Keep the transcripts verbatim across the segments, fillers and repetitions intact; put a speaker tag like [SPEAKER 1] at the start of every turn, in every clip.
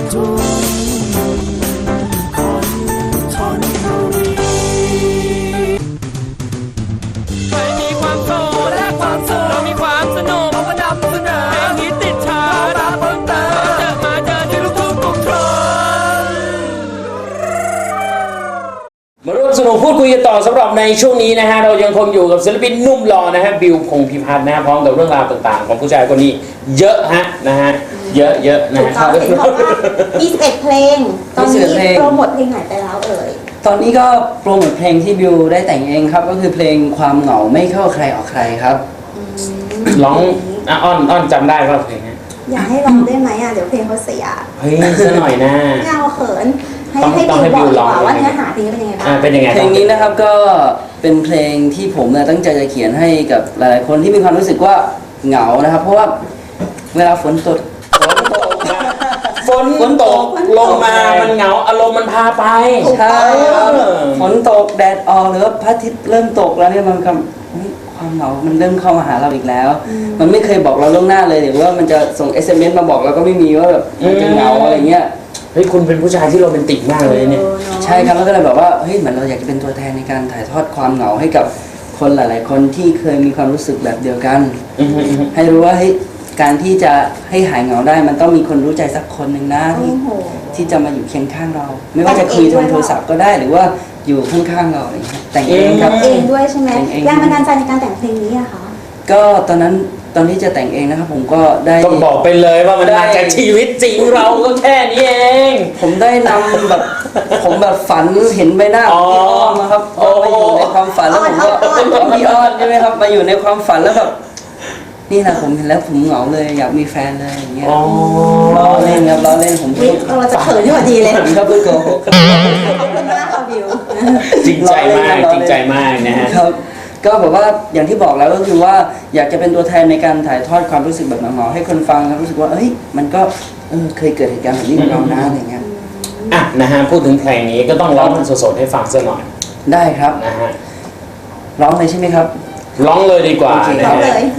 [SPEAKER 1] มาร่วมสนุกพูดคุยกันต่อสำหรับในช่วงนี้นะฮะเรายังคงอยู่กับศิลปินหนุ่มหล่อนะฮะบิวพงษ์พิพัฒน์นะฮะพร้อมกับเรื่องราวต่างๆของผู้ชายคนนี้เยอะฮะนะฮะเยอะเยอะนะฮะ
[SPEAKER 2] เห็นบอกว่ามีสิบเอ็ดเพลงตอนนี้โปรโมทเพลงไหนไปแล้วเอ่ย
[SPEAKER 3] ตอนนี้ก็โปรโมทเพลงที่บิวได้แต่งเองครับก็คือเพลงความเหงาไม่เข้าใครออกใครครับ
[SPEAKER 1] ร้องอ่ะอ้อนอ้อนจำได้ป่ะเพลงนี้
[SPEAKER 2] อยากให้ร้องได้ไหมอ่ะเดี๋ยวเพลงเขาเสีย
[SPEAKER 1] เฮ้ยซะหน่อยนะ
[SPEAKER 2] ไม่เอาเขินให้ให้บิวบอกดีกว่าว่าเนื้อหาเพลงเป็นยังไงบ้าง
[SPEAKER 1] เป็นยังไง
[SPEAKER 3] เพลงนี้นะครับก็เป็นเพลงที่ผมเนี่ยตั้งใจจะเขียนให้กับหลายๆคนที่มีความรู้สึกว่าเหงานะครับเพราะว่าเวลาฝนตก
[SPEAKER 1] ฝนฝนตกลงมามันเหงาอารมณ์มันพาไป
[SPEAKER 3] ใช่ฝนตกแดดออกหรือว่าพระอาทิตย์เริ่มตกแล้วเนี่ยมันก็ความเหงามันเริ่มเข้ามาหาเราอีกแล้วมันไม่เคยบอกเราล่วงหน้าเลยหรือว่ามันจะส่ง เอส เอ็ม เอส มาบอกเราก็ไม่มีว่าแบบมันจะเหงาอะไรเงี้ย
[SPEAKER 1] เฮ้ยคุณเป็นผู้ชายที่โรแมนติกมากเลยเนี่ย
[SPEAKER 3] ใช่ครับแล้วก็เลยแบบว่าเฮ้ยเหมือนเราอยากจะเป็นตัวแทนในการถ่ายทอดความเหงาให้กับคนหลายๆคนที่เคยมีความรู้สึกแบบเดียวกันให้รู้ว่าเฮ้ยการที่จะให้หายเหงาได้มันต้องมีคนรู้ใจสักคนหนึ่งนะที่ที่จะมาอยู่เคียงข้างเราไม่ว่าจะคุยทางโทรศัพท์ก็ได้หรือว่าอยู่ข้างๆเราอะไรอย่างเงี้ยแต่งเองครับ
[SPEAKER 2] เองด้วยใช่ไหมแรงบันดาลใจในการแต่งเพลงนี้อะคะ
[SPEAKER 3] ก็ตอนนั้นตอนที่จะแต่งเองนะครับผมก็ได้
[SPEAKER 1] ต้องบอกไปเลยว่ามันมาจากชีวิตจริงเราก็แค่นี้เอง
[SPEAKER 3] ผมได้นำแบบผมแบบฝันเห็นใบหน้าของพี่อ้อมนะครับมาอยู่ในความฝันแล้วผมก็พี่อ้อมใช่ไหมครับมาอยู่ในความฝันแล้วแบบนี่นะผมเห็นแล้วผมเหงาเลยอยากมีแฟนเลยอย่างเงี้ยล้อเล่นครับล้อเล่นผม
[SPEAKER 2] เราจะเขินที่พอดีเลย
[SPEAKER 3] ผมก็เพิ่งโกหก
[SPEAKER 2] ขอบคุณมากค่ะบิว
[SPEAKER 1] จริงใจมากจริงใจมากนะฮะ
[SPEAKER 3] ก็แบบว่าอย่างที่บอกแล้วก็คือว่าอยากจะเป็นตัวแทนในการถ่ายทอดความรู้สึกแบบเหงาๆให้คนฟังรู้สึกว่าเอ้ยมันก็เออเคยเกิดเหตุการณ์แบบนี้กับเรานะอะไรเงี้ย
[SPEAKER 1] อ่ะนะฮะพูดถึงเพลงนี้ก็ต้องร้องมันสดๆให้ฟังสักหน่อย
[SPEAKER 3] ได้ครับ
[SPEAKER 1] นะฮะ
[SPEAKER 3] ร้องเลยใช่ไหมครับ
[SPEAKER 1] ร้องเลยดีกว่า
[SPEAKER 2] ร้องเลย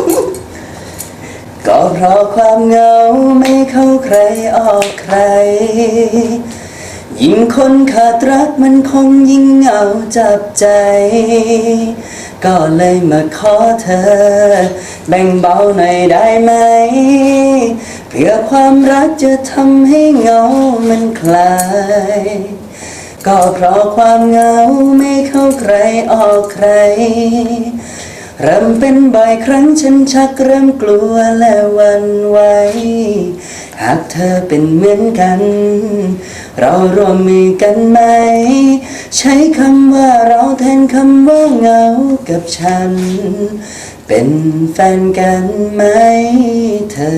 [SPEAKER 3] ก็เพราะความเหงาไม่เข้าใครออกใครยิ่งคนขาดรักมันคงยิ่งเหงาจับใจก็เลยมาขอเธอแบ่งเบาหน่อยได้ไหมเพื่อความรักจะทำให้เหงามันคลายก็เพราะความเหงาไม่เข้าใครออกใครเริ่มเป็นบ่อยครั้งฉันชักเริ่มกลัวและหวั่นไหวหากเธอเป็นเหมือนกันเราร่วมมือกันไหมใช้คำว่าเราแทนคำว่าเหงากับฉันเป็นแฟนกันไหมเธอ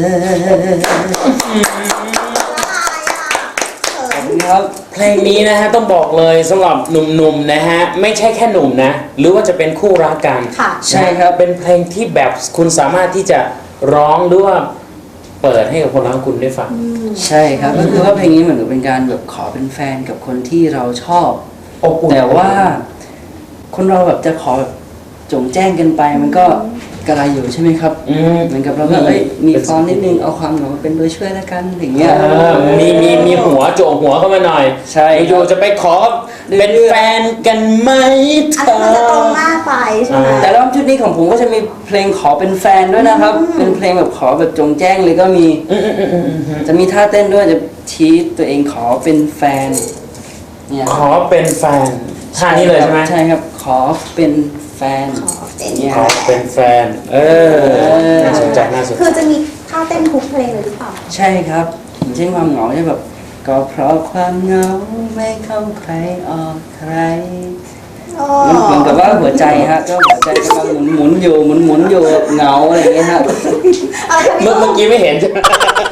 [SPEAKER 1] ครับเพลงนี้นะฮะต้องบอกเลยสำหรับหนุ่มๆนะฮะไม่ใช่แค่หนุ่มนะหรือว่าจะเป็นคู่รักกัน
[SPEAKER 3] ใช่ครับ
[SPEAKER 1] เป็นเพลงที่แบบคุณสามารถที่จะร้องหรือว่าเปิดให้กับคนรักคุณได้ฟัง
[SPEAKER 3] ใช่ครับก็คือว่าเพลงนี้เหมือนกับเป็นการแบบขอเป็นแฟนกับคนที่เราชอบแต่ว่าคนเราแบบจะขอแบบจงแจ้งกันไปมันก็กระไรอยู่ใช่ไหมครับเหมือนกับเราก็เอ้ยมีฟอนนิดนึงเอาความเหงาเป็นตัวช่วยแล้วกันอย่างเงี้ย
[SPEAKER 1] มีมีมีหัวโจงหัวเข้ามาหน่อย
[SPEAKER 3] ใช่
[SPEAKER 1] อยู่จะไปขอเป็นแฟนกันไหม
[SPEAKER 2] เธอมันจะตรงหน้าไปใช่ไหม
[SPEAKER 3] แต่รอบชุดนี้ของผมก็จะมีเพลงขอเป็นแฟนด้วยนะครับเป็นเพลงแบบขอแบบจงแจ้งเลยก็มีจะมีท่าเต้นด้วยจะชี้ตัวเองขอเป็นแฟน
[SPEAKER 1] เนี่ยขอเป็นแฟนท่านี้เลยใช่ไหม
[SPEAKER 3] ใช่ครับขอเป็นแฟน
[SPEAKER 1] ขอเป็นแฟนเออน่าสนใจน่าสนใจ
[SPEAKER 2] คือจะมีท่าเต้นทุกเพลงเลยหรือเปล่า
[SPEAKER 3] ใช่ครับอย่างเช่นความเหงาเนี่ยแบบก็เพราะความเหงาไม่เข้าใครออกใครมันเหมือนกับว่าหัวใจฮะก็หัวใจกำลังหมุนหมุนอยู่หมุนหมุนอยู่เหงาอะไรอย่างเงี้ยฮะ
[SPEAKER 1] เมื่อเมื่อกี้ไม่เห็นใช่ไหม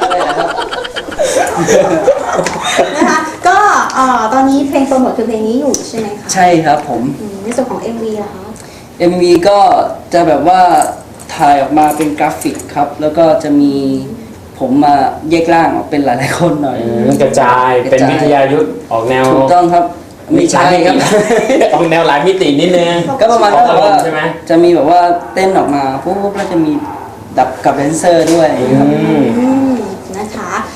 [SPEAKER 2] นะคะก็ตอนนี้เพลงโปรโมทคือเพลงนี้อยู่ใช่ไหมคะ
[SPEAKER 3] ใช่ครับผม
[SPEAKER 2] ในส่วนของ เอ็ม วี ล่ะคะ
[SPEAKER 3] เอ็ม วี ก็จะแบบว่าถ่ายออกมาเป็นกราฟิกครับแล้วก็จะมีผมมาแยกร่างออกเป็นหลายๆคนหน่อย
[SPEAKER 1] กระจายเป็นวิทยายุทธออกแนว
[SPEAKER 3] ถูกต้องครับ
[SPEAKER 1] มีใช่ครับออกแนวหลายมิตินิดนึง
[SPEAKER 3] ก็ประมาณว่าจะมีแบบว่าเต้นออกมาปุ๊บแล้วจะมีดับกับแดนเซอร์ด้วย
[SPEAKER 2] นะคะแล้วก็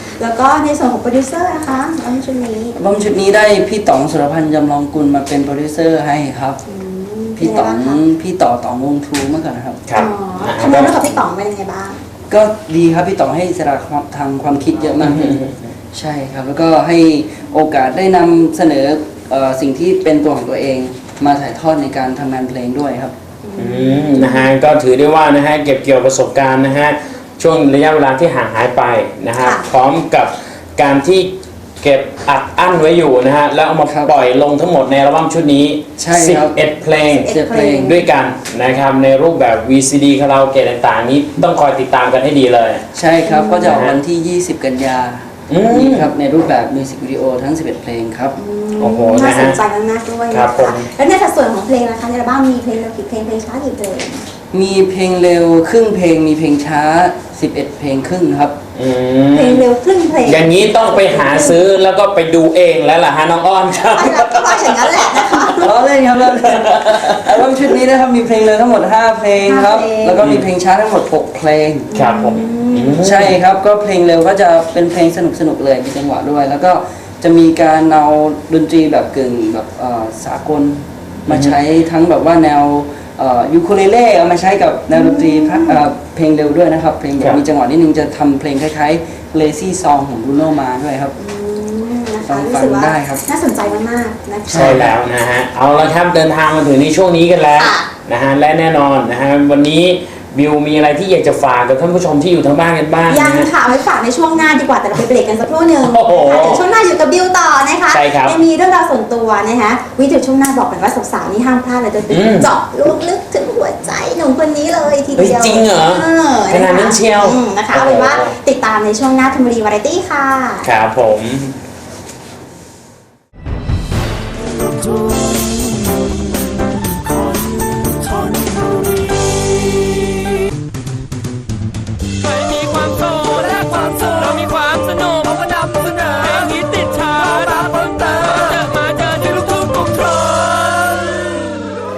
[SPEAKER 2] ก็ในส่วนของโปรดิวเซอร์นะคะอัลบั้มชุดนี้
[SPEAKER 3] อัลบั้มชุดนี้ได้พี่ต๋องสุรพันธ์จำลองกุลมาเป็นโปรดิวเซอร์ให้ครับ
[SPEAKER 2] อืม
[SPEAKER 3] พี่ต๋อง
[SPEAKER 2] เป็นไงบ้างคะ
[SPEAKER 3] พี่ต่อต๋องวงทรูเมื่อก่อนนะครับ
[SPEAKER 1] ครับ
[SPEAKER 2] อ๋อ
[SPEAKER 1] นะ
[SPEAKER 2] ทำงาน
[SPEAKER 1] ฮะ
[SPEAKER 2] ร่วมกับพี่ต๋องเป็นยังไงบ้าง
[SPEAKER 3] ก็ดีครับพี่ต๋องให้อิสระทางความคิดเยอะมากเลยใช่ครับ แล้วก็ให้โอกาสได้นำเสนอเอ่อสิ่งที่เป็นตัวของตัวเองมาถ่ายทอดในการทำงานเพลงด้วยครับ
[SPEAKER 1] อืมนะฮะก็ถือได้ว่านะฮะเก็บเกี่ยวประสบการณ์นะฮะช่วงระยะเวลาที่ห่างหายไปนะฮะ
[SPEAKER 2] ค่ะ
[SPEAKER 1] พร้อมกับการที่เก็บอัดอั้นไว้อยู่นะฮะแล้วเอามา
[SPEAKER 3] ครับ
[SPEAKER 1] ปล่อยลงทั้งหมดในอัลบั้มชุดนี้
[SPEAKER 3] ใช่ครับ
[SPEAKER 1] สิบเอ็ดเพลง
[SPEAKER 3] เสียเพลง
[SPEAKER 1] ด้วยกันนะครับในรูปแบบ วี ซี ดี คาราโอเกะต่างๆ นี้ต้องคอยติดตามกันให้ดีเลย
[SPEAKER 3] ใช่ครับก็จะออกวันที่ ยี่สิบ กันยา
[SPEAKER 1] อืม
[SPEAKER 3] นี้ครับในรูปแบบมิวสิกวิดีโอทั้ง สิบเอ็ด เพลงครับ
[SPEAKER 1] โอ้โห
[SPEAKER 2] น่า
[SPEAKER 1] นะ
[SPEAKER 2] ส
[SPEAKER 1] ฮะ
[SPEAKER 2] นใจมากๆด้วย
[SPEAKER 1] ครั
[SPEAKER 2] นะ
[SPEAKER 1] บผม
[SPEAKER 2] คะแล้วในสัดส่วนของเพลงนะคะในอัลบั้มมีเพลงเร็วกี่เพลงเพลงช้ากี่เพลง
[SPEAKER 3] มีเพลงเร็วครึ่งเพลงมีเพลงช้า สิบเอ็ด เพลงครึ่งครับ
[SPEAKER 1] อืม
[SPEAKER 2] เพลงเร็วครึ่งเพลง
[SPEAKER 1] อย่างนี้ต้องไปหาซื้อแล้วก็ไปดูเองแล้วล่ะฮะน้องอ้อนครับ
[SPEAKER 2] ไอ้เราก็ว่าอย่างนั้นแหละนะคะ
[SPEAKER 3] ล้อเล่นครับล้อเล่นอัลบั้มชุดนี้นะครับมีเพลงเร็วทั้งหมด ห้า เพลงครับ
[SPEAKER 2] ห้าเพลง
[SPEAKER 3] แล้วก็มีเพลงช้าทั้งหมด หก เพลง
[SPEAKER 1] ครับผมอืม
[SPEAKER 3] ใช่ครับก็เพลงเร็วก็จะเป็นเพลงสนุกสนุกๆเลยมีจังหวะด้วย แล้วก็จะมีการเอาดนตรีแบบกึ่งแบบเอ่อสากลมาใช้ทั้งแบบว่าแนวเอ่อยูคูเลเล่เอามาใช้กับแนวดนตรีพระเอ่อเพลงเร็วด้วยนะครับ เพลงแบ
[SPEAKER 1] ครับ บ
[SPEAKER 3] มีจังหวะนิดนึงจะทำเพลงคล้ายๆ Lazy Song ของ Bruno Mars ด้วยครับ
[SPEAKER 2] อืมนะคะ
[SPEAKER 3] ลอง
[SPEAKER 2] รู้
[SPEAKER 3] ฟัง
[SPEAKER 2] สึกว่า
[SPEAKER 3] ได้ครับ
[SPEAKER 2] น่าสนใจมากๆนะคะ
[SPEAKER 1] ใช่แล้วนะฮะ เอาละครับเดินทางมาถึงในช่วงนี้กันแล้ว
[SPEAKER 2] ค่ะ
[SPEAKER 1] นะฮะและแน่นอนนะฮะวันนี้บิวมีอะไรที่อยากจะฝากกับท่านผู้ชมที่อยู่ทางบ้านกันบ้าง
[SPEAKER 2] ยัง
[SPEAKER 1] นะฮะ
[SPEAKER 2] ค่ะเอาไว้ฝากในช่วงหน้าดีกว่าแต่เราไปเบรกกันสักครู่หนึ่ง
[SPEAKER 1] โอ้โห
[SPEAKER 2] นะคะเดี๋ยวช่วงหน้าอยู่กับบิวต่อนะคะ
[SPEAKER 1] ใช่ครับ
[SPEAKER 2] ยังมีเรื่องราวส่วนตัวนะคะวิดีโอช่วงหน้าบอกกันว่าสาวๆนี่ห้ามพลาดเลยจะ
[SPEAKER 1] อืม
[SPEAKER 2] เจาะลึกลึกถึงหัวใจหนุ่มคนนี้เลยทีเดียว
[SPEAKER 1] เฮ้ยจริงเหรอ
[SPEAKER 2] อ
[SPEAKER 1] ขนาดนั้นเชียว
[SPEAKER 2] อืมนะคะเอาเป็นว่า
[SPEAKER 1] โอ้โห
[SPEAKER 2] ติดตามในช่วงหน้าธรรมรีวาไรตี้ค่ะ
[SPEAKER 1] ครับผม
[SPEAKER 4] ใครมีความโสดและความสุขเรามีความสนุกเราก็นำเสนอเพลงฮิตติดชาร์ตมาเพิ่มเติมเจอมาเจอที่ลูกทุ่งกรุงทน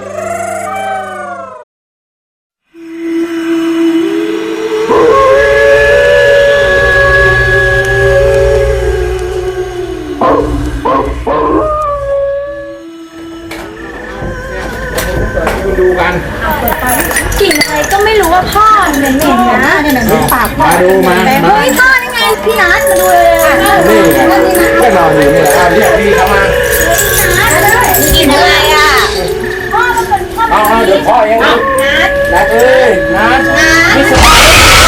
[SPEAKER 1] ดูกัน
[SPEAKER 5] กลิ่นอะไรก็ไม่รู้ว่าพ่อเหม็นๆนะเนี่ยหนังปากพ่อ
[SPEAKER 1] มาดูมา
[SPEAKER 5] เฮ้ยพ่อนี่ไงพี่นัทมาดูเลยอ่ะ
[SPEAKER 1] นี่ไงก็นอนอยู่นี่แหละอ่ะเรียกพี่เข้ามา
[SPEAKER 5] กลิ่นอะไรอ่ะพ่อมันเป็นพ่อ
[SPEAKER 1] เอาเอาเดี๋ยวพ่อเองนะนัดเอ้ยนัดไม่สบาย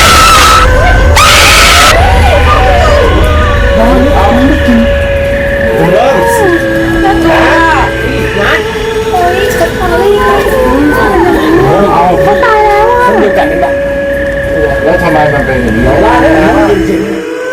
[SPEAKER 1] เอาผมเริ่มนัดนัด
[SPEAKER 5] โอ้ยฉันพอเลย
[SPEAKER 1] เอา
[SPEAKER 5] เขาตายแล้วอ่ะ
[SPEAKER 1] เดียวกันนี่แหละ
[SPEAKER 6] แล้วทำไมมันเป็นอย่างนี้
[SPEAKER 1] ว่าได้นะจริง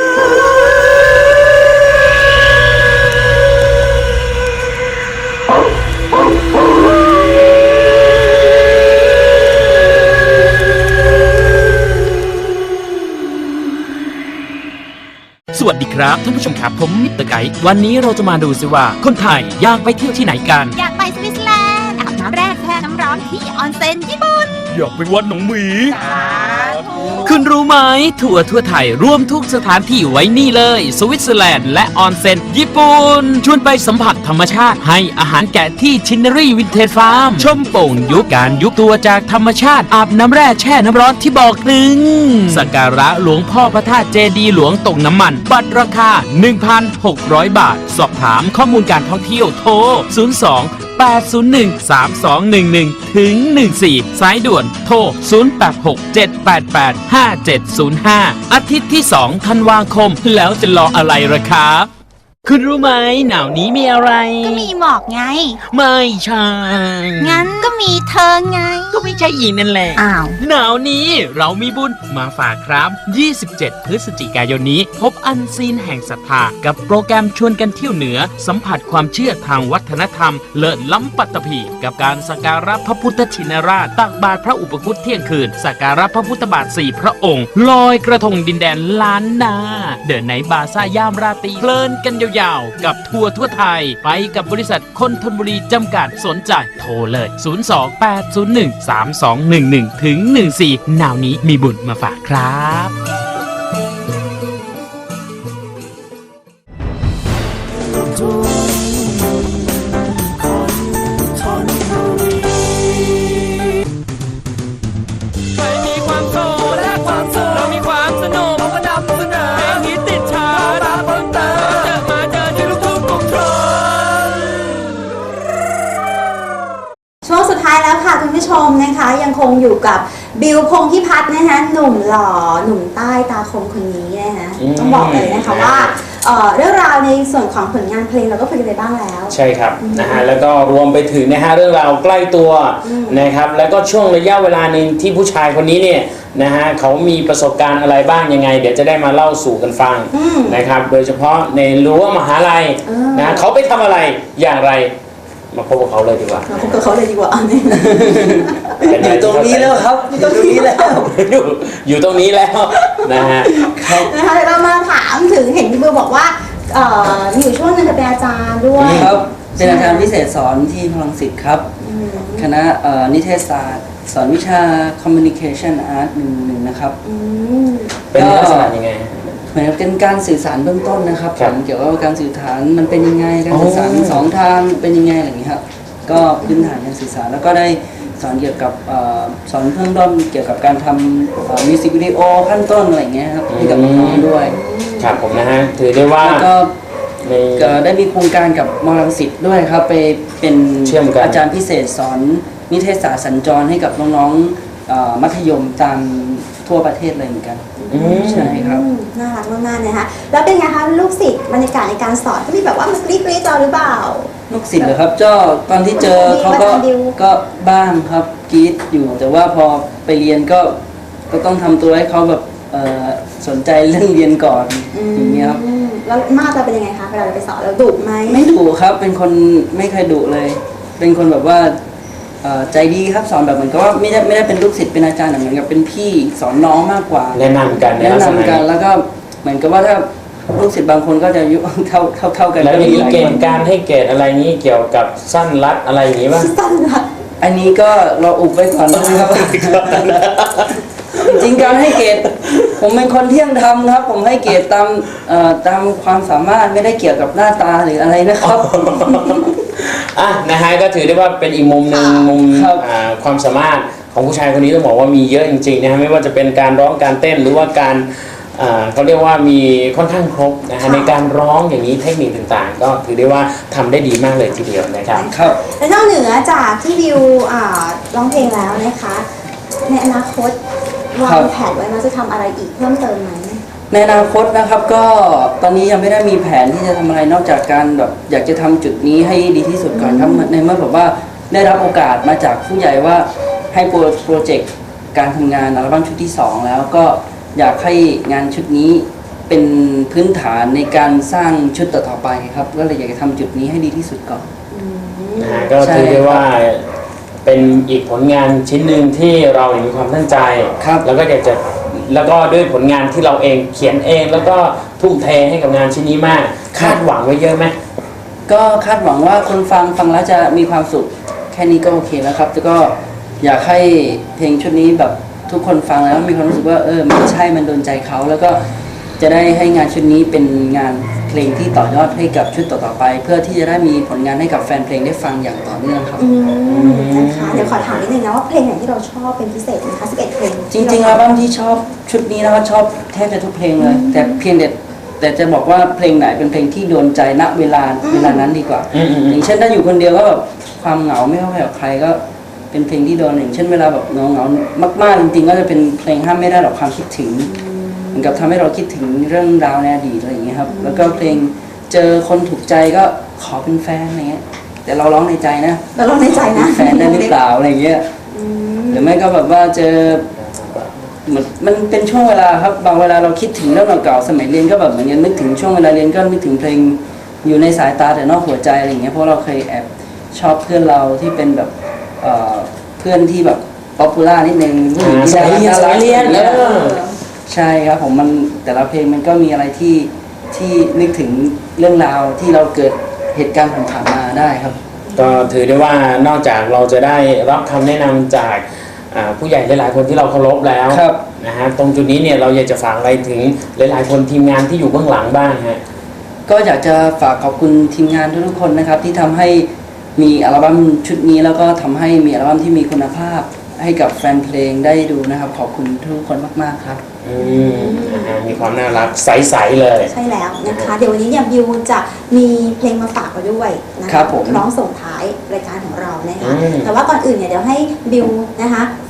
[SPEAKER 4] สวัสดีครับท่านผู้ชมครับผมมิสเตอร์ไกด์วันนี้เราจะมาดูสิว่าคนไทยอยากไปเที่ยวที่ไหนกัน
[SPEAKER 5] อยากไปสวิตเซอร์แลนด์อาบน้ำแร่แช่น้ำร้อนที่ออนเซ็นญี่ปุ่น
[SPEAKER 4] อยากไปวัดหนองหมี
[SPEAKER 5] สาธุ
[SPEAKER 4] คุณรู้ไหมทัวร์ทั่วไทยรวมทุกสถานที่ไว้นี่เลย สวิตเซอร์แลนด์และออนเซ็นญี่ปุ่น ชวนไปสัมผัสธรรมชาติให้อาหารแกะที่ชินเนอรี่วินเทจฟาร์ม ชมโป่งยุบการยุบตัวจากธรรมชาติอาบน้ำแร่แช่น้ำร้อนที่บอกถึงสักการะหลวงพ่อพระธาตุเจดีย์หลวงตกน้ำมัน บัตรราคา หนึ่งพันหกร้อย บาท สอบถามข้อมูลการท่องเที่ยวโทร ศูนย์ สอง แปด ศูนย์ หนึ่ง สาม สอง หนึ่ง หนึ่ง ถึง หนึ่ง สี่ สายด่วนโทร ศูนย์ แปด หก เจ็ด แปด แปด ห้า เจ็ด ศูนย์ ห้า อาทิตย์ที่ สองธันวาคม แล้วจะรออะไรล่ะครับ คุณรู้ไหมหนาวนี้มีอะไร
[SPEAKER 5] ก็มีหมอกไง
[SPEAKER 4] ไม่ใช่
[SPEAKER 5] งั้นก็มีเธอไง
[SPEAKER 4] ก็ไม่ใช่อีกนั่นแหละ
[SPEAKER 5] อ้าว
[SPEAKER 4] หนาวนี้เรามีบุญมาฝากครับ ยี่สิบเจ็ด พฤศจิกายนนี้ พบอันซีนแห่งศรัทธากับโปรแกรมชวนกันเที่ยวเหนือ สัมผัสความเชื่อทางวัฒนธรรม เลิศล้ำปัตตภีกับการสักการะพระพุทธชินราช ตักบาตรพระอุปคุตเที่ยงคืน สักการะพระพุทธบาทสี่พระองค์ ลอยกระทงดินแดนล้านนา เดินในบาซ่ายามราตรีเพลินกันยาวๆ กับทัวร์ทั่วไทย ไปกับบริษัทคนธนบุรีจำกัดสนใจโทรเลย ศูนย์ สอง แปด ศูนย์ หนึ่ง สาม สอง หนึ่ง หนึ่ง ถึง หนึ่ง สี่ หนาวนี้มีบุญมาฝากครับ
[SPEAKER 2] คงอยู่กับบิวพงษ์พิพัฒน์นะคะหนุ่มหล่อหนุ่มใต้ตาคมคนนี้นะคะต้องบอกเลยนะคะว่าเอ่อเรื่องราวในส่วนของผลงานเพลงเราก็คุยกันไปบ้างแล้ว
[SPEAKER 1] ใช่ครับนะฮะแล้วก็รวมไปถึงนะฮะเรื่องราวใกล้ตัวนะครับแล้วก็ช่วงระยะเวลาหนึ่งที่ผู้ชายคนนี้เนี่ยนะฮะเขามีประสบการณ์อะไรบ้างยังไง เดี๋ยวจะได้มาเล่าสู่กันฟังนะครับโดยเฉพาะในรั้วมหาลัยนะเขาไปทำอะไรอย่างไรมาพบกับเขาเลยดีกว่า
[SPEAKER 2] เราพบกับเขาเลยดีกว่า
[SPEAKER 3] อยู่ตรงนี้แล้วครับอยู่ตรงนี้แล้ว
[SPEAKER 1] อยู่อยู่ตรงนี้แล้วนะฮะ
[SPEAKER 2] นะคะเดี๋ยวเรามาถามถึงเห็นพี่บิวบอกว่าเอ่อมีอยู่ช่วงนึงเธอเป็นอาจารย์ด้วย
[SPEAKER 3] ครับเป็นอาจารย์พิเศษสอนที่พลังสิทธิ์ครับคณะเอ่อนิเทศศาสตร์ สอนวิชา Communication Art หนึ่งหนึ่งนะครับ
[SPEAKER 2] อืม
[SPEAKER 1] เป็นลักษณะยังไง
[SPEAKER 3] เหมือนกับเป็นการสื่อสารเบื้องต้นนะครับ
[SPEAKER 1] ครับ
[SPEAKER 3] ผมเกี่ยวกับการสื่อสารมันเป็นยังไงการสื่อสาร
[SPEAKER 1] อ๋อ
[SPEAKER 3] สองทางเป็นยังไงอะไรอย่างนี้ครับก็พื้นฐานการสื่อสารแล้วก็ได้สอนเกี่ยวกับเอ่อสอนเพิ่มต้นเกี่ยวกับการทำมิวสิกวิดีโอขั้นต้นอะไรอย่างเงี้ยครับให้กับน้องๆด้วย
[SPEAKER 1] ครับผมนะฮะถือได้ว่า
[SPEAKER 3] แล้วก็
[SPEAKER 1] ใน
[SPEAKER 3] ก็ได้มีโครงการกับมรังสิตด้วยครับไปเป็น
[SPEAKER 1] เชื่อมกัน
[SPEAKER 3] อาจารย์พิเศษสอนนิเทศศาสตร์สัญจรให้กับน้องๆเอ่อมัธยมตามทั่วประเทศเลยเหมือนกัน
[SPEAKER 1] อืม
[SPEAKER 3] ใช่ครับ
[SPEAKER 2] อืมน่ารักมากๆนะคะแล้วเป็นไงคะลูกศิษย์บรรยากาศในการสอนก็มีแบบว่ามันกรี๊ดกรี๊ดเราหรือเปล่า
[SPEAKER 3] ลูกศิษย์เหรอครับเจ้าตอนที่เจอเขาก็
[SPEAKER 2] อาจารย์ดิว
[SPEAKER 3] ก็บ้างครับกรีดอยู่ แต่ว่าพอไปเรียนก็ก็ต้องทำตัวให้เขาแบบเอ่อสนใจเรื่องเรียนก่อนอย่างเงี้ยครับ
[SPEAKER 2] อืมแล้วมาตรเราเป็นยังไงคะเวลาเราไปสอนเราดุไหม
[SPEAKER 3] ไม่ดุครับเป็นคนไม่เคยดุเลย เป็นคนแบบว่าเอ่อใจดีครับสอนแบบเหมือนกับว่าไม่ได้ไม่ได้เป็นลูกศิษย์เป็นอาจารย์แต่เหมือนกับเป็นพี่สอนน้องมากกว่า
[SPEAKER 1] แนะนำกันใน
[SPEAKER 3] แนะ
[SPEAKER 1] ลักษณะ
[SPEAKER 3] นำกัน
[SPEAKER 1] นี้
[SPEAKER 3] แล้วก็เหมือนกับว่าถ้าลูกศิษย์บางคนก็จะอายุ เท่าเท่าเท่ากัน
[SPEAKER 1] แล้ว
[SPEAKER 3] ก็
[SPEAKER 1] มี
[SPEAKER 3] หลาย
[SPEAKER 1] เก
[SPEAKER 3] ค
[SPEAKER 1] ณ
[SPEAKER 3] น
[SPEAKER 1] ฑ์การให้เกรดอะไรนี้เกี่ยวกับสั้นรัดอะไรอย่างนี้ป่ะ
[SPEAKER 2] สั้นละ
[SPEAKER 3] อันนี้ก็เราอุบไว้ก่อนนะครับ จริงๆการให้เกรดผมเป็นคนเที่ยงธรรมครับ ผมให้เกรดตามเอ่อตามความสามารถไม่ได้เกี่ยวกับหน้าตาหรืออะไรนะครับ
[SPEAKER 1] อ่ะนะฮะก็ถือได้ว่าเป็นอีกมุมหนึ่งมุม
[SPEAKER 3] ครับ
[SPEAKER 1] อ่าความสามารถของผู้ชายคนนี้ต้องบอกว่ามีเยอะจริงๆนะฮะไม่ว่าจะเป็นการร้องการเต้นหรือว่าการอ่าเขาเรียกว่ามีค่อนข้างครบนะฮะในการร้องอย่างนี้เทคนิคต่างๆ ก็ถือได้ว่าทำได้ดีมากเลยทีเดียวนะครับ
[SPEAKER 3] ครับ
[SPEAKER 2] และนอกเหนือจากที่บิวอ่าร้องเพลงแล้วนะคะ ในอนาคตวา
[SPEAKER 3] ครั
[SPEAKER 2] ง
[SPEAKER 3] บ
[SPEAKER 2] แผนไว้ว่าจะทำอะไรอีกเพิ่มเติมไหม
[SPEAKER 3] ในอนาคตนะครับก็ตอนนี้ยังไม่ได้มีแผนที่จะทำอะไรนอกจากการแบบอยากจะทำจุดนี้ให้ดีที่สุดก่อนครับในเมื่อแบบว่าได้รับโอกาสมาจากผู้ใหญ่ว่าให้โปรโปรเจกต์การทำงานอัลบั้มชุดที่สองแล้วก็อยากให้งานชุดนี้เป็นพื้นฐานในการสร้างชุดต่อๆไปครับก็เลยอยากจะทำจุดนี้ให้ดีที่สุดก่อน
[SPEAKER 1] นะฮะก็
[SPEAKER 3] ใช่
[SPEAKER 1] ถือได้ว่าเป็นอีกผลงานชิ้นหนึ่งที่เราเนี่ยมีความตั้งใจ
[SPEAKER 3] ครับ
[SPEAKER 1] แล้วก็อยากจะแล้วก็ด้วยผลงานที่เราเองเขียนเองแล้วก็ทุ่มเทให้กับงานชิ้นนี้มาก คาดหวังไว้เยอะไหม
[SPEAKER 3] ก็คาดหวังว่าคนฟังฟังแล้วจะมีความสุขแค่นี้ก็โอเคแล้วครับแล้วก็อยากให้เพลงชุดนี้แบบทุกคนฟังแล้วมีความรู้สึกว่าเออมันใช่มันโดนใจเขาแล้วก็จะได้ให้งานชุดนี้เป็นงานเพลงที่ต่อยอดให้กับชุดต่อๆไป เพื่อที่จะได้มีผลงานให้กับแฟนเพลงได้ฟังอย่างต่อเนื่องครับ
[SPEAKER 2] อืมนะคะเดี๋ยวขอถามนิดนึงนะว่าเพลงไหนที่เราชอบเป็นพิเศษไหมคะสิบเอ็ดเพลง
[SPEAKER 3] จริงๆอัลบั้มที่ชอบชุดนี้นะครับชอบแทบจะทุกเพลงเลย แต่เพียงแต่แต่จะบอกว่าเพลงไหนเป็นเพลงที่โดนใจณเวลาเวลานั้นดีกว่า
[SPEAKER 1] อืมอืมอืม
[SPEAKER 3] อย่างเช่นถ้าอยู่คนเดียวก็แบบความเหงาไม่เข้าใครกับใครก็เป็นเพลงที่โดนอย่างเช่นเวลาแบบเหงาเหงามากๆจริงๆก็จะเป็นเพลงห้ามไม่ได้หรอกความคิดถึงเหมือนกับทำให้เราคิดถึงเรื่องราวในอดีตอะไรอย่างเงี้ยครับแล้วก็เพลงเจอคนถูกใจก็ขอเป็นแฟนอะไรเงี้ยแต่เราร้องในใจนะ
[SPEAKER 2] เราลองในใจนะ
[SPEAKER 3] แฟนได้หรือเปล่าอะไรเงี้ยหรือไม่ก็แบบว่าเจอเหมือนมันเป็นช่วงเวลาครับบางเวลาเราคิดถึงเรื่องเก่าๆสมัยเรียนก็แบบเหมือนกันนึกถึงช่วงเวลาเรียนก็นึกถึงเพลงอยู่ในสายตาแต่นอกหัวใจอะไรอย่างเงี้ยเพราะเราเคยแอบชอบเพื่อนเราที่เป็นแบบเอ่อเพื่อนที่แบบป๊อปปูล่านิดนึงผู้หญิงที่
[SPEAKER 1] สายเรียน
[SPEAKER 3] น่า
[SPEAKER 1] สา
[SPEAKER 3] รั
[SPEAKER 1] ย
[SPEAKER 3] ก
[SPEAKER 1] เรียน
[SPEAKER 3] อย่างเงี้ย
[SPEAKER 1] เออ
[SPEAKER 3] ใช่ครับผมมันแต่ละเพลงมันก็มีอะไรที่ที่นึกถึงเรื่องราวที่เราเกิดเหตุการณ์ผ่านๆมาได้ครับ
[SPEAKER 1] ก็ถือได้ว่านอกจากเราจะได้รับคำแนะนำจากอ่าผู้ใหญ่หลายๆคนที่เราเคารพแล้ว
[SPEAKER 3] ครับ
[SPEAKER 1] นะฮะตรงจุดนี้เนี่ยเราอยากจะฝากอะไรถึงหลายๆคนทีมงานที่อยู่เบื้องหลังบ้างฮะ
[SPEAKER 3] ก็อยากจะฝากขอบคุณทีมงานทุกๆคนนะครับที่ทำให้มีอัลบั้มชุดนี้แล้วก็ทำให้มีอัลบั้มที่มีคุณภาพให้กับแฟนเพลงได้ดูนะครับ ขอบคุณทุกคนมากๆครับ
[SPEAKER 1] อืมนะฮะมีความน่ารักใสๆเลย
[SPEAKER 2] ใช่แล้วนะคะ เดี๋ยววันนี้เนี่ยบิวจะมีเพลงมาฝากเราด้วยนะคะ
[SPEAKER 3] ครับผม
[SPEAKER 2] ร้องส่งท้ายรายการของเรานะคะ
[SPEAKER 1] อืม
[SPEAKER 2] แต่ว่าก่อนอื่นเนี่ยเดี๋ยวให้บิวนะคะ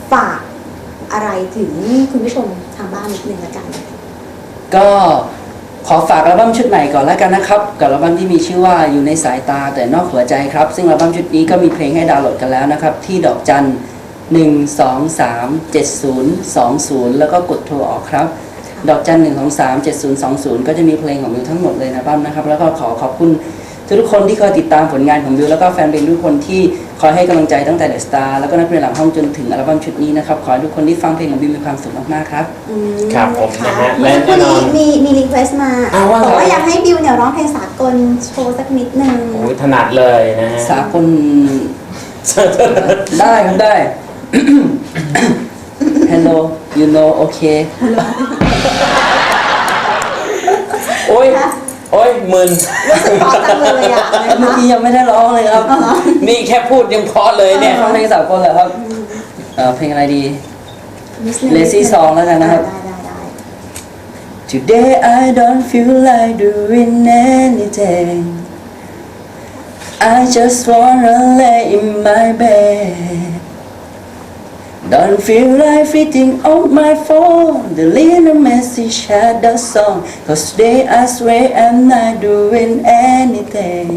[SPEAKER 2] ฝากอะไรถึงคุณผู้ชมทางบ้านนิดนึงละกัน
[SPEAKER 3] ก็ขอฝากอัลบั้มชุดใหม่ก่อนแล้วกันนะครับกับอัลบั้มที่มีชื่อว่าอยู่ในสายตาแต่นอกหัวใจครับซึ่งอัลบั้มชุดนี้ก็มีเพลงให้ดาวน์โหลดกันแล้วนะครับที่ดอกจันหนึ่งสองสามเจ็ดศูนย์สองศูนย์แล้วก็กดโทรออกครับดอกจันหนึ่งสองสามเจ็ดศูนย์สองศูนย์ก็จะมีเพลงของบิวทั้งหมดเลยนะอัลบั้มนะครับแล้วก็ขอขอบคุณทุกคนที่คอยติดตามผลงานของบิวแล้วก็แฟนเพลงทุกคนที่คอยให้กำลังใจตั้งแต่เดอะสตาร์แล้วก็นักเรียนหลังห้องจนถึงอัลบั้มชุดนี้นะครับขอให้ทุกคนที่ฟังเพลงของบิวมีความสุขมากๆครับ
[SPEAKER 2] อืม
[SPEAKER 1] ครับผมนะฮะ
[SPEAKER 2] เมื่อสักครู่
[SPEAKER 1] และแน่นอน
[SPEAKER 2] นี้มีมีรีเควสต์มา
[SPEAKER 1] อ้าวว่า
[SPEAKER 2] บอกว่า
[SPEAKER 1] ไง
[SPEAKER 2] อยากให้บิวเนี่ยร้องเพลงสากลโชว์สักนิดนึง
[SPEAKER 1] โอ้ยถนัดเลยนะฮะ
[SPEAKER 3] สากล ได้ครับได้ Hello you know okay
[SPEAKER 1] โอ้ยโอ้ยมึน
[SPEAKER 2] รู้สึกเพราะจังเลยอ่ะนะ
[SPEAKER 3] เมื่อ
[SPEAKER 2] คะ
[SPEAKER 3] กี้ยังไม่ได้ร้องเลยครับ
[SPEAKER 1] นี่แค่พูดยังเพราะเลยเนี่ย
[SPEAKER 3] ฟังเพลงสากลเหรอครับเอ่อเพลงอะไรดี
[SPEAKER 2] นิดนึง
[SPEAKER 3] Lazy Song แล้วกันนะครับ
[SPEAKER 2] ได้ได้ได้
[SPEAKER 3] Today I don't feel like doing anything I just wanna lay in my bed Don't feel like fitting on my phone Delete a message, had the song Cause today I swear I'm not doing anything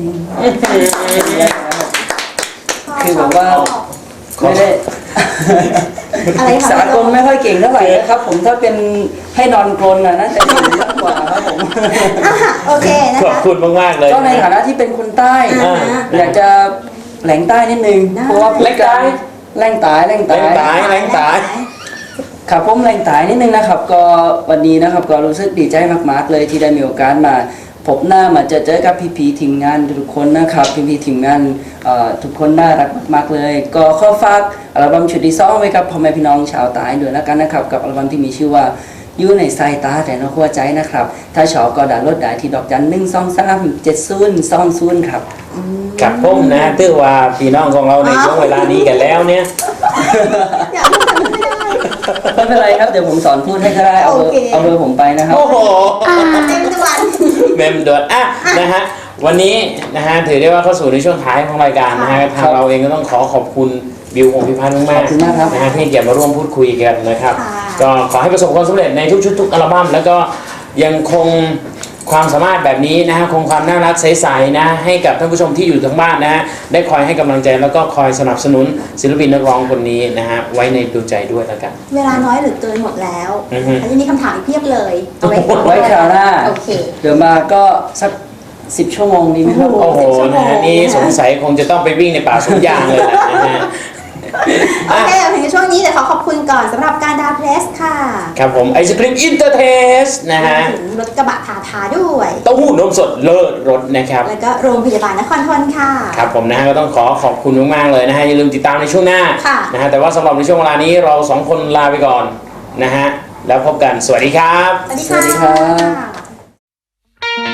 [SPEAKER 3] คือแบบว่าไม่ได้
[SPEAKER 2] อะไรคะ
[SPEAKER 3] สากลไม่ค่อยเก่งเท่าไหร่นะครับ ผมถ้าเป็นให้นอนกรนน่ะน่าจะดีมากกว่าครับผม
[SPEAKER 2] อ่ะโอเคนะ
[SPEAKER 1] ขอบ
[SPEAKER 2] คะ
[SPEAKER 1] คุณมากๆเลย
[SPEAKER 3] ก็ในฐานะที่เป็นคนใต้
[SPEAKER 2] อ่า
[SPEAKER 3] อยากจะแหลงใต้นิดนึง
[SPEAKER 2] ได้
[SPEAKER 3] เพราะว่าพูดกันแหลงตายแหลง
[SPEAKER 1] แร
[SPEAKER 3] ตาย
[SPEAKER 1] งตายแรงตาย
[SPEAKER 3] ครับผมแหลงตายนิดนึงนะครับ ก็วันนี้นะครับก็รู้สึกดีใจมากๆเลยที่ได้มีโอกาสมาพบหน้ามาเจอเจอกับพี่ๆทีมงานทุกคนนะครับพี่ๆทีมงานเอ่อทุกคนน่ารักมากๆเลย ก็ขอฝากอัลบั้มชุดที่สองไว้กับพ่อแม่พี่น้องชาวใต้ด้วยแล้วกันนะครับกับอัลบั้มที่มีชื่อว่าอยู่ในสายตาแต่นอกหัวใจนะครับถ้าชอบก็ดาวน์โหลดได้ที่ดอกจันหนึ่งสองสามเจ็ดศูนย์สองศูนย์ครับ
[SPEAKER 1] กับผมนะถือว่าพี่น้องของเราในช่วงเวลานี้กันแล้วเนี่ย
[SPEAKER 2] อยากพูดแต่ไม่ได้
[SPEAKER 3] ไม่เป็นไรครับเดี๋ยวผมสอนพูดให้ก็ได้เอาเบอร์
[SPEAKER 2] โอเค
[SPEAKER 3] เอาเบอร์ผมไปนะครับ
[SPEAKER 1] โอ้โห
[SPEAKER 2] เต็มทุกวัน
[SPEAKER 1] เมมด่วนอ่ะนะฮะวันนี้นะฮะถือได้ว่าเข้าสู่ในช่วงท้ายของรายการนะฮะทางเราเองก็ต้องขอขอบคุณบิวพงษ์พิพัฒน์มาก
[SPEAKER 3] ขอบคุณมากครับ
[SPEAKER 1] นะฮะที่เกียรติมาร่วมพูดคุยกันนะครับ
[SPEAKER 2] ค่ะ
[SPEAKER 1] ก็ขอให้ประสบความสำเร็จในทุกชุดทุกอัลบั้มแล้วก็ยังคงความสามารถแบบนี้นะฮะคงความน่ารักใสๆนะให้กับท่านผู้ชมที่อยู่ทางบ้านนะฮะได้คอยให้กำลังใจแล้วก็คอยสนับสนุนศิลปินนักร้องคนนี้นะฮะไว้ในดวงใจด้วยแล้วกัน
[SPEAKER 2] เวลาน้อยเหลือเกินหมดแล้ว
[SPEAKER 1] อือฮึ
[SPEAKER 2] แล้วจะมีคำถามอีกเพียบเลยเอาไว้
[SPEAKER 3] ไว้คราวหน้า
[SPEAKER 2] โอเค
[SPEAKER 3] เดี๋ยวมาก็สักสิบชั่วโมงดีไหมครับ
[SPEAKER 2] โอ้
[SPEAKER 1] โอ้โห
[SPEAKER 2] สิบชั่วโมง
[SPEAKER 1] นะฮะนี่สงสัยคงจะต้องไปวิ่งในป่าสวนยางเลยแหละนะฮะ
[SPEAKER 2] โอเคถึงช่วงนี้เดี๋ยวขอขอบคุณก่อนสำหรับการดาวเพลสค่ะ
[SPEAKER 1] ครับผมไอศครีมอินเตอร์เทสนะฮะ
[SPEAKER 2] ถึงรถกระบะทาทาด้วย
[SPEAKER 1] เต้าหู้นมสดเลิศรสนะครับ
[SPEAKER 2] แล้วก็โรงพยาบาลนครทนค่ะ
[SPEAKER 1] ครับผมนะฮะก็ต้องขอขอบคุณมากๆเลยนะฮะอย่าลืมติดตามในช่วงหน้า
[SPEAKER 2] ค่ะ
[SPEAKER 1] นะฮะแต่ว่าสำหรับในช่วงเวลานี้เราสองคนลาไปก่อนนะฮะแล้วพบกันสวัสดีครับ
[SPEAKER 2] สวัสดี
[SPEAKER 3] สวัสดีครับ
[SPEAKER 2] ะ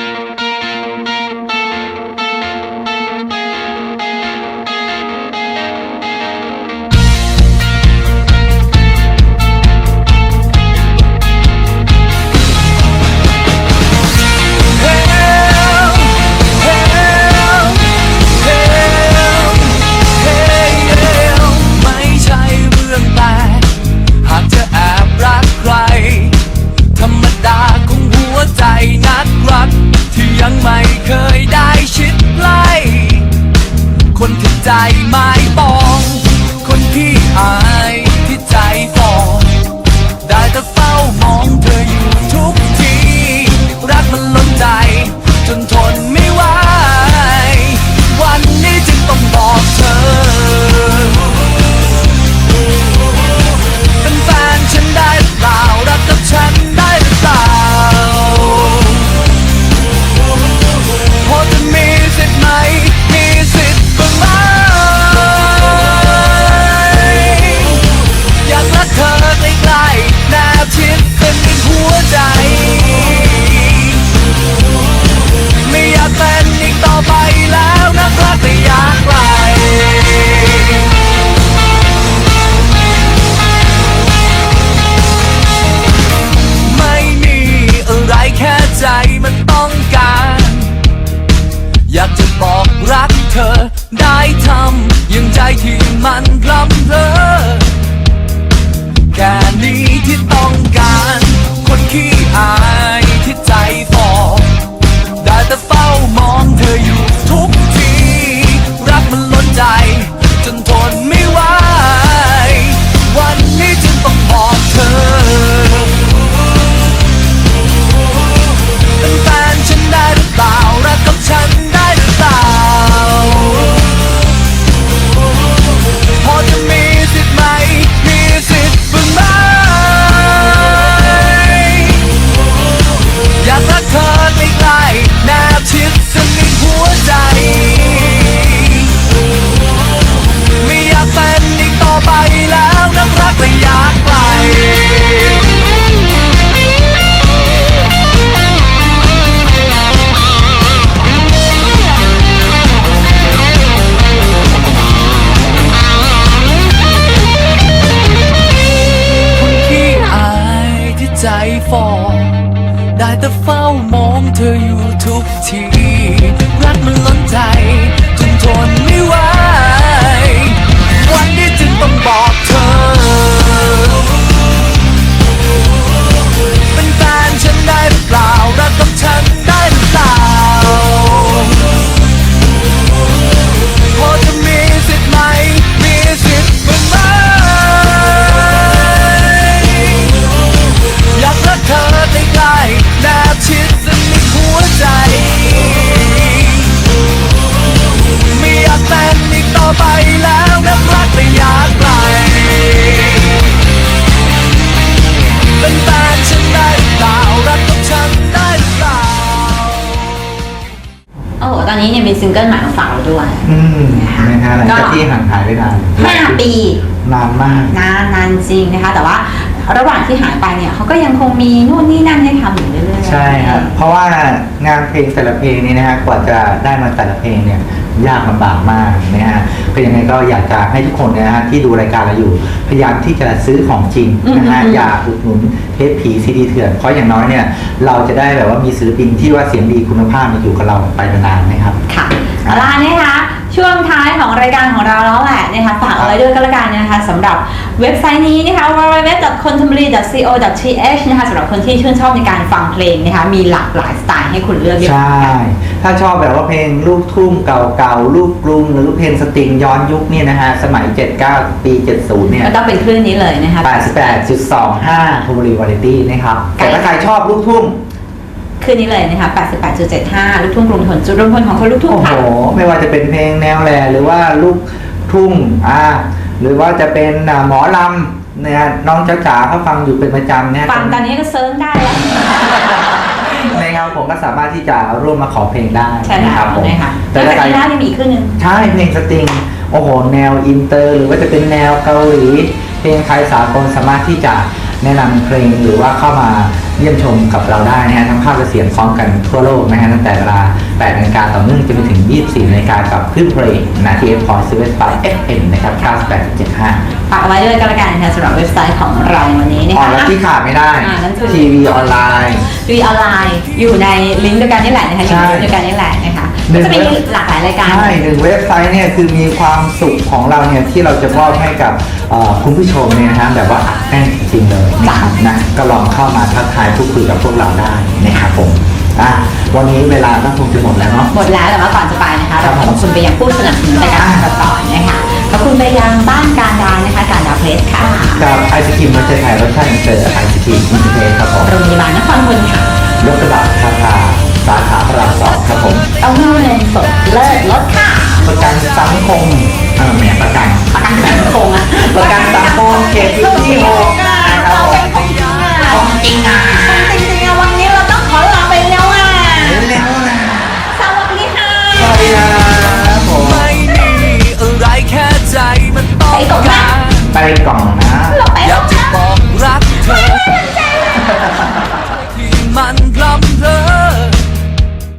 [SPEAKER 7] ไม่ใช่เรื่องแปลกหากเธอแอบรักใคร ธรรมดาของหัวใจนักรัก ที่ยังไม่เคยได้ชิดใกล้ คนที่ใจไม่ปอง คนที่อายที่ใจฟองได้แต่เฝ้ามองเธออยู่ทุกที รักมันล้นใจ จนทนไม่ไหว วันนี้จึงต้องบอกเธอ เป็นแฟนฉันได้หรือเปล่า รักกับฉันได้หรือเปล่า พอจะมีสิทธิ์ไหม มีสิทธิ์บ้างไหม อยากรักเธอใกล้ๆแนบชิดเธทีรักมันล้นใจจนทนไม่ไหววันนี้จึงต้องบอกเธอเป็นแฟนฉันได้หรือเปล่ารักกับฉันได้หรือเปล่าพอจะมีสิทธิ์ไหมมีสิทธิ์บ้างไหมอยากรักเธอใกล้ๆแนบชิดสนิทหัวใจไม่อยากเป็นอีกต่อไปแล้วนับรักระยะไกลเป็นแฟนฉันได้หรือเปล่ารักกับฉันได้หรือเปล่า
[SPEAKER 5] โอ้โหตอนนี้เนี่ยมีซิงเกิลใหม่มาฝากเราด้วย
[SPEAKER 6] อืมนะฮะหลังจากที่ห่างหายไปนาน
[SPEAKER 5] ห้าปี
[SPEAKER 6] นานมาก
[SPEAKER 5] นานนานจริงนะคะ แต่ว่าระหว่างที่หายไปเนี่ยเขาก็ยังคงมีนู่นนี่นั่นให้ทำอยู่เรื่อยๆ
[SPEAKER 6] ใช่ครับ เพราะว่างานเพลงแต่ละเพลงนี้นะฮะกว่าจะได้มาแต่ละเพลงเนี่ยยากลำบากมากนะฮะก็ยังไงก็อยากจะให้ทุกคนนะฮะที่ดูรายการเราอยู่ พยายามที่จะซื้อของจริงนะฮะอย่าอุดหนุนเทปผีซีดีเถื่อนเพราะอย่างน้อยเนี่ยเราจะได้แบบว่ามีศิลปินที่ว่าเสียงดีคุณภาพมาอยู่กับเราไปนานๆนะครับ
[SPEAKER 5] ค่ะเอาล่ะนะคะช่วงท้ายของรายการของเราแล้วแหละนะคะฝากเอาไว้ด้วยก็แล้วกันนะคะสำหรับเว็บไซต์นี้นะคะ ดับเบิลยู ดับเบิลยู ดับเบิลยู ดอท คอนเทมพอรารี ดอท ซี โอ ดอท ที เอช นะคะสำหรับคนที่ชื่นชอบในการฟังเพลงนะคะมีหลากหลายสไตล์ให้คุณเลือกเยอะ
[SPEAKER 6] ใช่ ถ้าชอบแบบว่าเพลงลูกทุ่งเก่าๆ ลูกกรุงหรือเพลงสตริงย้อนยุคเนี่ยนะฮะ สมัย เจ็ดสิบเก้า ปี เจ็ดสิบ เนี่ย
[SPEAKER 5] ก็ต้องเป็นคลื่นนี้เลยนะคะ
[SPEAKER 6] แปดสิบแปดจุดสองห้า ทูบรีวาไรตี้นะครับ แต่ถ้าใครชอบลูกทุ่ง
[SPEAKER 5] คลื่นนี้เลยนะคะ แปดสิบแปดจุดเจ็ดห้า ลูกทุ่งกรุงทนจุดรวมพลของคนลูกทุ่ง
[SPEAKER 6] โอ้โห
[SPEAKER 5] ค่ะ
[SPEAKER 6] ไม่ว่าจะเป็นเพลงแนวแหล่หรือว่าลูกทุ่ง อ่า หรือว่าจะเป็นอ่าหมอลำเนี่ยน้องจ๋าจ๋าเขาฟังอยู่เป็นประจำเนี่ย
[SPEAKER 5] ฟังตอนนี้ก็เซิร์ชได้แล้ว
[SPEAKER 6] นะครับผมก็สามารถที่จะร่วมมาขอเพลงได้
[SPEAKER 5] ใช่
[SPEAKER 6] นะ
[SPEAKER 5] แล้
[SPEAKER 6] ครั
[SPEAKER 5] ว
[SPEAKER 6] บผม
[SPEAKER 5] นะคะ
[SPEAKER 6] แต่
[SPEAKER 5] แล้ว
[SPEAKER 6] ถ้า
[SPEAKER 5] จาก
[SPEAKER 6] ใคร
[SPEAKER 5] นี้ได้มีอีกคลื่นหนึง
[SPEAKER 6] ใช่เพลงสตริง โอ้โห แนวอินเตอร์ หรือว่าจะเป็นแนวเกาหลี เพลงไทยสากลสามารถที่จะแนะนำเพลงหรือว่าเข้ามาเยี่ยมชมกับเราได้นะฮะทั้งภาพและเสียงพร้อมกันทั่วโลกนะฮะตั้งแต่เวลาแปดนาฬิกาต่อเนื่องจนไปถึงยี่สิบสี่นาฬิกากับคลื่นเพลงนาทีเอฟพอยซ์เวสไปเอฟเอ็มนะครับเก้าสิบแปดจุดเจ็ดห้า
[SPEAKER 5] ฝากเอาไว้ด้วยก็แล้วกันนะคะสำหรับเว็บไซต์ของเราในวันนี้นะ
[SPEAKER 6] อ๋อ
[SPEAKER 5] คะ
[SPEAKER 6] แล้วที่ขาดไม่ได้
[SPEAKER 5] อ่านั่นคือ
[SPEAKER 6] ทีวีออนไลน์
[SPEAKER 5] ดูออนไลน์อยู่ในลิงก์เดียวกันนี่แหละนะคะอยู่ใน
[SPEAKER 6] ใช่
[SPEAKER 5] ลิงก์เดียวกันนี่แหละนะคะ
[SPEAKER 6] หนึ่
[SPEAKER 5] ก็
[SPEAKER 6] ง
[SPEAKER 5] จะมีหลากหลายรายการ
[SPEAKER 6] ใช่หนึ่งเว็บไซต์เนี่ยคือมีความสุขของเราเนี่ยที่เราจะมอบให้กับเอ่อคุณผู้ชมเนี่ยนะฮะแบบว่าอัดแน่นจริงๆเลยนะครับนะก็ลองเข้ามาทักทายพูดคุยกับพวกเราได้นะครับผมอ่ะวันนี้เวลาก็คงจะหมดแล้วเนาะ
[SPEAKER 5] หมดแล้วแต่ว่าก่อนจะไปนะคะ
[SPEAKER 6] ครั
[SPEAKER 5] เรา
[SPEAKER 6] บ
[SPEAKER 5] ขอบคุณไปยังผู้สนับสนุนรายการของเราต่อนะคะขอบคุณไปยังบ้านการดานะคะการดาเพลสค่ะ
[SPEAKER 6] กับไอศครีมรสชาติไทยรสชาติอินเตอร์ไอศครีมอินเตอร์ครับผม
[SPEAKER 5] โรงพยาบาลนครพนมค่ะ
[SPEAKER 6] ยกกระดับคาคาสาขาพระรามสองครับผม
[SPEAKER 5] เอาเงินสดเลิศลดค่ะ
[SPEAKER 6] ประกันสังคมเออแหมประกัน
[SPEAKER 5] ประกันสังคมอะ
[SPEAKER 6] ประกันสังคมเขตพื้นที่หกนะครับผม
[SPEAKER 5] ของจริงอ่ะจริงๆอะวันนี้เราต้องขอลาไปแล้วอ่ะ
[SPEAKER 6] เร็วๆนะ
[SPEAKER 5] สวัสดีค่ะ
[SPEAKER 6] สวัสดีครับผม
[SPEAKER 7] ไม่มีอะไรแค่ใจมันต้องการ
[SPEAKER 6] ไปกล่อง